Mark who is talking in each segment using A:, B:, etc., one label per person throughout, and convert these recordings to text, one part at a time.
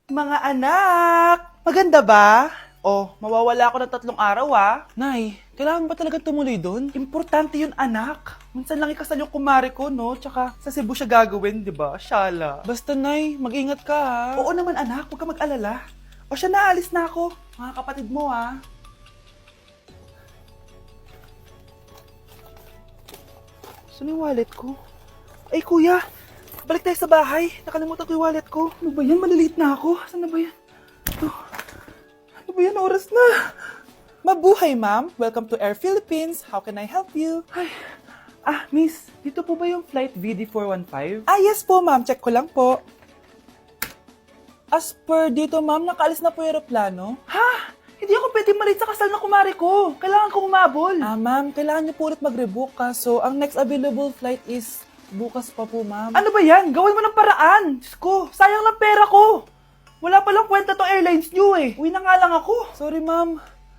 A: Mga anak! Maganda ba? Oh, mawawala ako ng 3 araw
B: Nay, kailangan ba talaga tumuloy doon?
A: Importante yun, anak. Minsan lang ikasal yung kumare ko, no? Tsaka sa Cebu siya gagawin, di ba? Shala.
B: Basta Nay, mag-ingat ka ha.
A: Oo naman, anak. Huwag ka mag-alala. O siya na, alis na ako. Mga kapatid mo, Saan yung wallet ko? Ay, kuya! Balik tayo sa bahay. Nakalimutan ko yung wallet ko. Ano ba yan? Maliliit na ako. Saan na ba yan? Ito. Ano ba yan? Oras na.
B: Mabuhay ma'am, welcome to Air Philippines. How can I help you?
A: Ay. Miss. Dito po ba yung flight VD415?
B: Yes po ma'am, check ko lang po. As per dito ma'am, nakaalis na po yung aeroplano.
A: Ha? Hindi ako pwede malit sa kasal na kumare ko. Kailangan ko umabol.
B: Ma'am, kailangan niyo po ulit mag-rebook so ang next available flight is bukas pa po ma'am.
A: Ano ba yan? Gawin mo ng paraan. Diyos ko, sayang lang pera ko. Wala palang kwenta tong airlines nyo eh. Uwi na nga lang ako.
B: Sorry ma'am.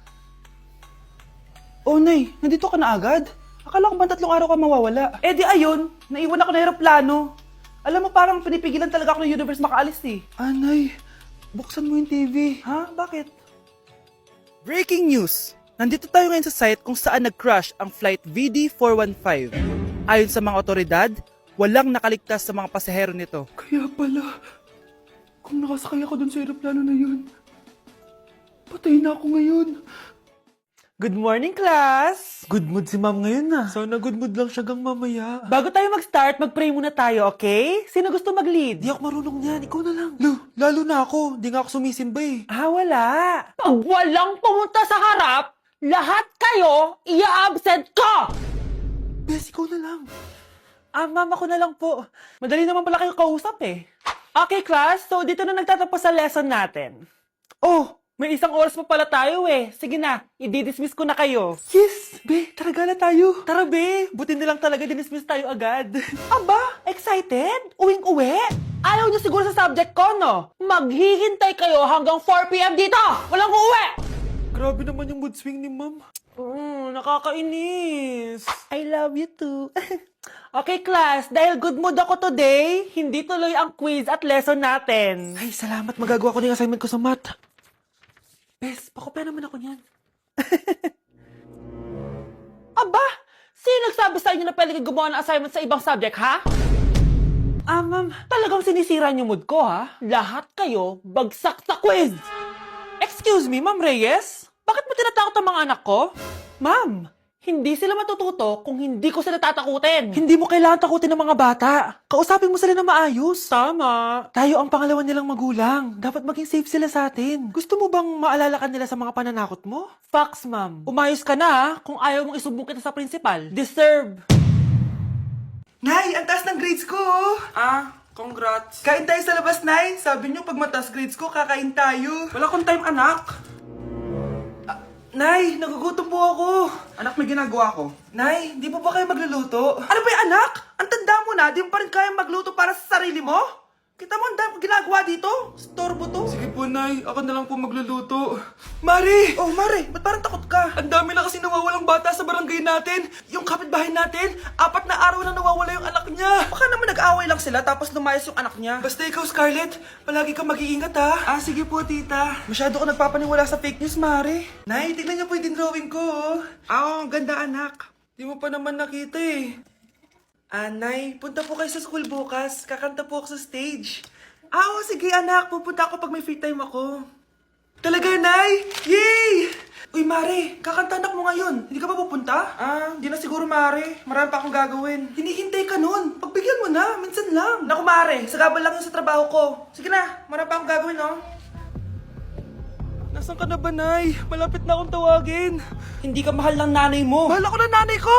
B: Oh Nay, nandito ka na agad? Akala ko ba 3 araw ka mawawala?
A: Eh di ayun, naiwan ako ng aeroplano. Alam mo parang pinipigilan talaga ako ng universe makaalis eh.
B: Nay, buksan mo yung TV.
A: Ha? Bakit?
B: Breaking news! Nandito tayo ngayon sa site kung saan nag-crash ang flight VD415. Ayon sa mga otoridad, walang nakaligtas sa mga pasahero nito.
A: Kaya pala, kung nakasakay ako dun sa aeroplano na yun, patay na ako ngayon.
B: Good morning, class! Good mood si ma'am ngayon na. Sana good mood lang siya gang mamaya.
A: Bago tayo mag-start, mag-pray muna tayo, okay? Sino gusto mag-lead?
B: Di ako marunong niyan, ikaw na lang. Lalo na ako, di nga ako sumisimba eh.
A: Wala.
C: Pag walang pumunta sa harap, lahat kayo ia-absent ko!
B: Bes, ikaw na lang. Ma'am, ako na lang po. Madali naman pala kayo kausap eh.
A: Okay, class. So, dito na nagtatapos sa lesson natin.
B: Oh,
A: May 1 oras pa pala tayo eh. Sige na, i-dismiss ko na kayo.
B: yes! Be, tara gala tayo.
A: Tara be, buti na lang talaga dinismiss tayo agad.
C: Aba, excited? Uwing-uwi? Ayaw niyo siguro sa subject ko, no? Maghihintay kayo hanggang 4 p.m. dito! Walang uuwi!
B: Grabe naman yung mood swing ni ma'am.
A: Nakakainis.
B: I love you too.
A: Okay, class, dahil good mood ako today, hindi tuloy ang quiz at lesson natin.
B: Ay, salamat. Magagawa ko na yung assignment ko sa math. Bes, pakopya naman ako niyan.
C: Aba, sino nagsabi sa inyo na pwede kayo gumawa ng assignment sa ibang subject, ha?
A: Ma'am,
C: Talagang sinisira niyo mood ko, ha? Lahat kayo bagsak sa quiz!
A: excuse me, Ma'am Reyes? Bakit mo tinatakot ang mga anak ko?
C: Ma'am, hindi sila matututo kung hindi ko sila tatakutin.
B: Hindi mo kailangan takutin ng mga bata. Kausapin mo sila na maayos.
A: Tama.
B: Tayo ang pangalawa nilang magulang. Dapat maging safe sila sa atin. Gusto mo bang maalala ka nila sa mga pananakot mo?
A: Facts, ma'am. Umayos ka na, ha? Kung ayaw mong isumbong kita sa principal. Deserve.
D: Nay, ang taas ng grades ko!
A: Congrats.
D: Kain tayo sa labas, Nay. Sabi niyo, pag mataas grades ko, kakain tayo.
A: Wala akong time, anak.
D: Nay, nagugutom po ako. Anak, may ginagawa ko. Nay, di po ba kayo magluluto?
A: Ano ba yung anak? Ang tanda mo na, di mo pa rin kaya magluto para sa sarili mo? Kita mo ang dami kong ginagawa dito? Storbo to.
D: Sige po, Nay. Ako na lang po magluluto. Mari!
A: Oh, Mare, ba't parang takot ka?
D: Ang dami na kasi nawawalang bata sa barangay natin. Yung kapitbahay natin, 4 na araw na nawawala yung anak niya.
A: Baka naman nag-away lang sila tapos lumayas yung anak niya.
D: Basta ikaw, Scarlett, palagi kang mag-iingat, ha? Sige po, tita.
A: Masyado ko nagpapaniwala sa fake news, Mare.
D: Nay, tignan niyo po yung drawing ko, oh.
A: Ang ganda, anak.
D: Di mo pa naman nakita, eh. Nay, punta po kayo sa school bukas. Kakanta po ako sa stage.
A: Oo, sige anak. Pupunta ako pag may free time ako.
D: Talaga, Nay? Yay!
A: Uy, Mare, kakanta anak mo ngayon. Hindi ka ba pupunta?
D: Hindi na siguro, Mare. Marami pa akong gagawin.
A: Hinihintay ka nun. Pagbigyan mo na, minsan lang. Naku, Mare, sagabal lang yun sa trabaho ko. Sige na, marami pa akong gagawin, no?
D: Nasaan ka na ba, Nay? Malapit na akong tawagin.
A: Hindi ka mahal ng nanay mo.
D: Mahal ako ng nanay ko!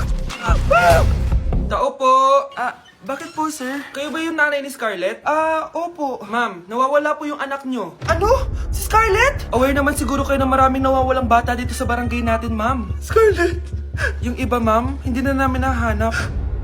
D: Tao po! Bakit po, sir?
A: Kayo ba yung nanay ni Scarlett?
D: Opo.
A: Ma'am, nawawala po yung anak nyo.
D: Ano? Si Scarlett?
A: Aware naman siguro kayo na maraming nawawalang bata dito sa barangay natin, ma'am.
D: Scarlett!
A: Yung iba, ma'am, hindi na namin nahanap.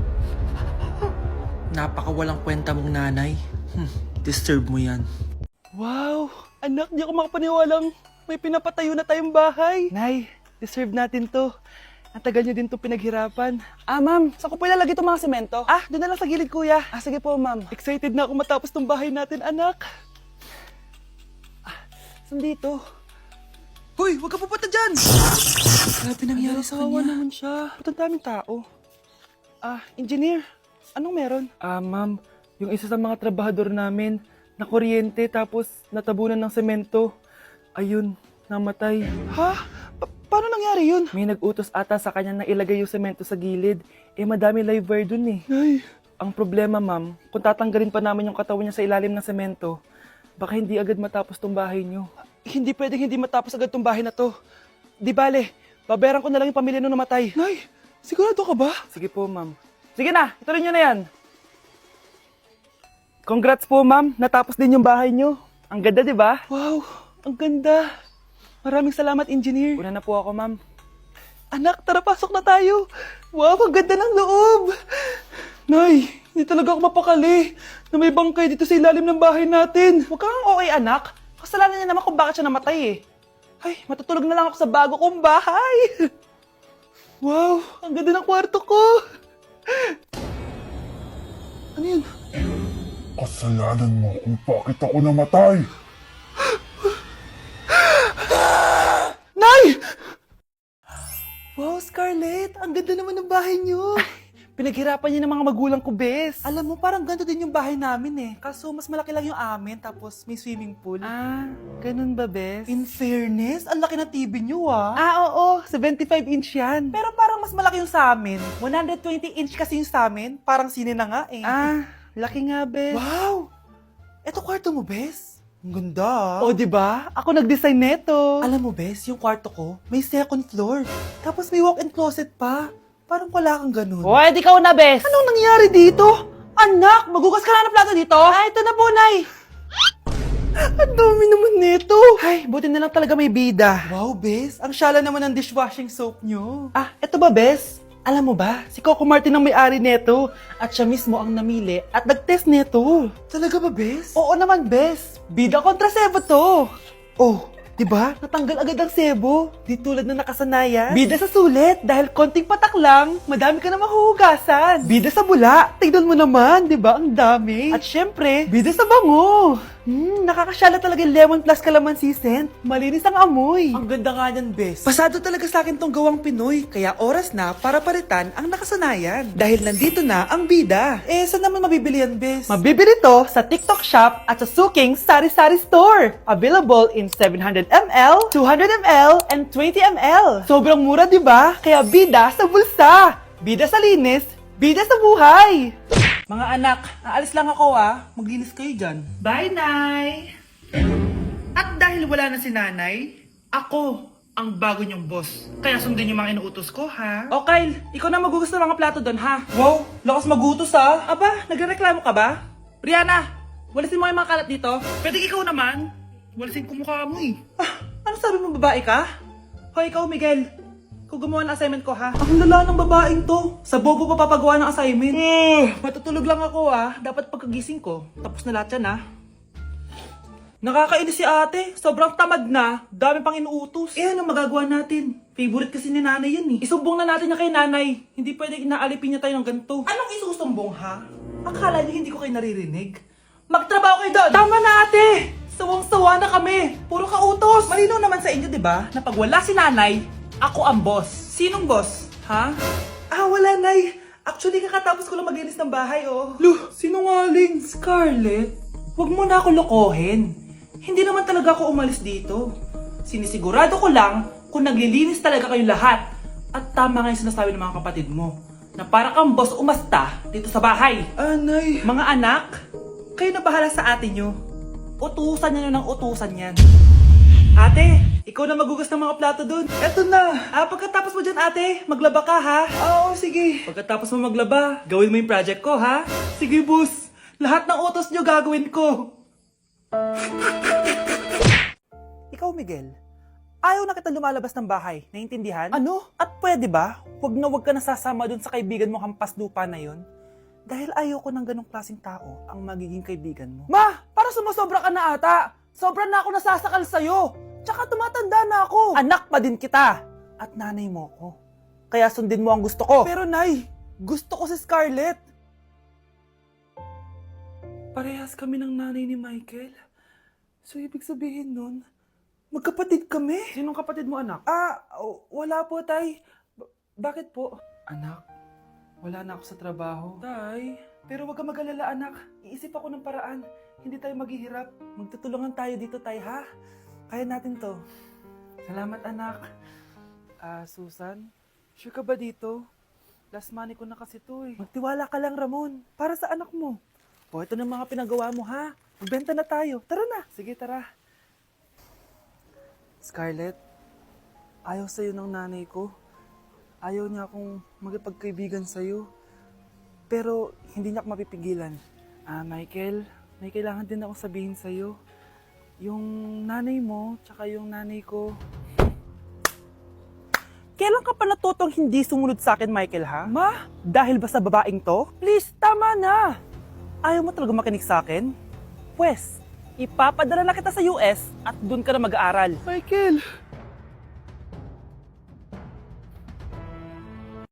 A: Napakawalang kwenta mong nanay. Disturb mo yan.
D: Wow! Anak, di ako makapaniwalang may pinapatayo na tayong bahay. Nay, deserve natin to. Ang tagal niyo din to pinaghirapan.
A: Ma'am, saan ko po ilalagay itong mga semento?
D: Doon na lang sa gilid, kuya.
A: Sige po, ma'am.
D: Excited na ako matapos tong bahay natin, anak. Saan dito?
A: Hoy, huwag ka pupunta dyan! Grabe nangyari sa
D: Kawawa
A: kanya.
D: naman siya. Ba't ang daming tao? Engineer, anong meron? Ma'am, yung isa sa mga trabahador namin, na kuryente tapos natabunan ng semento. Ayun, namatay.
A: Ha? Paano nangyari yun?
D: May nag-utos ata sa kanya na ilagay yung semento sa gilid. Madami live wire dun eh.
A: Nay,
D: Ang problema, ma'am, kung tatanggalin pa namin yung katawan niya sa ilalim ng semento, baka hindi agad matapos tong bahay niyo.
A: hindi pwedeng hindi matapos agad tong bahay na to. Di bale, babayaran ko na lang yung pamilya nung namatay. Nay, sigurado ka ba?
D: Sige po, ma'am. Sige na, ituloy niyo na yan. Congrats po, ma'am. Natapos din yung bahay niyo. Ang ganda, di ba?
A: Wow, ang ganda. Maraming salamat, engineer.
D: Una na po ako, ma'am.
A: Anak, tara pasok na tayo. Wow, ang ganda ng loob. Nay, hindi talaga ako mapakali na may bangkay dito sa ilalim ng bahay natin.
C: Huwag kang okay, anak. Kasalanan niya naman kung bakit siya namatay eh.
A: Ay, matutulog na lang ako sa bago kong bahay. Wow, ang ganda ng kwarto ko. Ano yun?
E: Kasalanan mo kung bakit ako namatay.
A: Nay! Wow, Scarlett, ang ganda naman ng bahay niyo.
C: Pinaghirapan niya ng mga magulang ko, bes.
A: Alam mo, parang ganito din yung bahay namin eh. Kaso mas malaki lang yung amin, tapos may swimming pool.
C: Ganun ba, bes?
A: In fairness, ang laki ng TV niyo ah.
C: Oo, 75 inch yan.
A: Pero parang mas malaki yung sa amin. 120 inch kasi yung sa amin. Parang sine na nga eh.
C: Laki nga, bes.
A: Wow! Eto kwarto mo, Bes? Ang ganda.
C: O, di ba? Ako nag-design neto.
A: Alam mo, Bes, yung kwarto ko, may second floor. Tapos may walk-in closet pa. Parang wala kang ganun.
C: O, edi ikaw na, bes.
A: Anong nangyari dito?
C: Anak, magugas ka na ng plato dito?
A: Ito na po, Nay. Ang dami naman nito.
C: Ay, buti na lang talaga may bida.
A: Wow, Bes. Ang syala naman ng dishwashing soap nyo.
C: Eto ba, bes? Alam mo ba, si Coco Martin ang may-ari neto at siya mismo ang namili at nag-test neto.
A: Talaga ba, Bes?
C: Oo naman, bes. Bida kontra sebo to.
A: Oh, di ba?
C: Natanggal agad ang sebo. Di tulad na nakasanayan.
A: Bida sa sulit. Dahil konting patak lang, madami ka na mahuhugasan. Bida sa bula. Tignan mo naman, di ba? Ang dami.
C: At syempre,
A: bida sa bango.
C: nakakasyala talaga yung lemon plus calamansi scent. Malinis ang amoy.
A: Ang ganda nga niyan, Bes. Pasado talaga sa akin tong gawang Pinoy, kaya oras na para palitan ang nakasanayan. Dahil nandito na ang bida. Saan naman mabibili yan, Bes?
C: Mabibili to sa TikTok Shop at sa Suking Sari Sari Store. Available in 700ml, 200ml, and 20ml.
A: Sobrang mura, di ba? Kaya bida sa bulsa. Bida sa linis, bida sa buhay. Mga anak, aalis lang ako Maglinis kayo dyan.
B: Bye, Nay! At dahil wala na si Nanay, ako ang bago niyong boss. Kaya sundin yung mga inuutos ko, ha?
C: O Kyle, ikaw na magugas ng mga plato doon ha.
A: Wow, lakas magutos
C: Aba, nagrereklamo ka ba? Brianna, walisin mo yung mga kalat dito.
B: Pwede ikaw naman. Walisin ko mukha mo eh.
C: Ano sabi mo, babae ka? Hoy, ikaw Miguel, ikaw gumawa ng assignment ko ha.
A: Ang lala ng babaeng to. Sa bobo pa papagawa ng assignment.
C: Matutulog lang ako dapat pagkagising ko, tapos na lahat yan
A: Nakakainis si ate. Sobrang tamad na. Dami pang inuutos. Ano magagawa natin? Favorite kasi ni nanay yan eh. Isumbong na natin niya kay nanay. Hindi pwede inaalipin niya tayo ng ganito. Anong isusumbong ha? Akala niyo hindi ko kayo naririnig? Magtrabaho kayo doon! Tama na ate! Sawang-sawa na kami! Puro kautos! Malinaw naman sa inyo, di ba? Na pag wala si nanay, ako ang boss. Sinong boss? Ha? Wala nay. Actually, kakatapos ko lang maglinis ng bahay, oh. Luh, sinungaling. Scarlett, huwag mo na ako lokohin. Hindi naman talaga ako umalis dito. Sinisigurado ko lang kung naglilinis talaga kayo lahat. At tama nga yung sinasabi ng mga kapatid mo. Na para kang boss umasta dito sa bahay. Anay. Mga anak, kayo na bahala sa ate nyo. Utusan nyo ng utusan yan. Ate, ikaw na magugas ng mga plato dun. Eto na. Pagkatapos mo dyan ate, maglaba ka ha? Oo, sige. Pagkatapos mo maglaba, gawin mo yung project ko ha? Sige boss. Lahat ng utos nyo gagawin ko.
C: Ikaw Miguel, ayaw na kita lumalabas ng bahay, naiintindihan?
A: Ano?
C: At pwede ba, wag ka nasasama dun sa kaibigan mo hampas lupa na yon? Dahil ayoko ng ganong klaseng tao ang magiging kaibigan mo.
A: Ma, para sumusobra ka na ata. Sobra na ako nasasakal sa'yo. Tsaka tumatanda na ako.
C: Anak pa din kita at nanay mo ko. Kaya sundin mo ang gusto ko.
A: Pero nay, gusto ko si Scarlett. Parehas kami ng nanay ni Michael. So ibig sabihin nun, Magkapatid kami?
D: Sinong kapatid mo, anak?
A: Wala po, Tay. Bakit po?
D: Anak, wala na ako sa trabaho.
A: Tay, pero wag ka mag-alala, anak. Iisip ako ng paraan. Hindi tayo maghihirap. Magtutulungan tayo dito, Tay, ha? Kaya natin to.
D: Salamat, anak. Susan, sure ka ba dito? Last money ko na kasi to eh.
A: Magtiwala ka lang, Ramon. Para sa anak mo. O, ito na mga pinagawa mo, ha? Magbenta na tayo. Tara na.
D: Sige, tara. Scarlett, ayaw sa'yo ng nanay ko. Ayaw niya akong magipagkaibigan sa'yo. Pero hindi niya ako mapipigilan. Michael, may kailangan din akong sabihin sa'yo. Yung nanay mo, tsaka yung nanay ko.
A: Kailan ka pa natutong hindi sumunod sa akin, Michael, ha? Ma, dahil ba sa babaeng to? Please, tama na! Ayaw mo talaga makinig sa akin? Pwes, ipapadala na kita sa US at doon ka na mag-aaral.
D: Michael!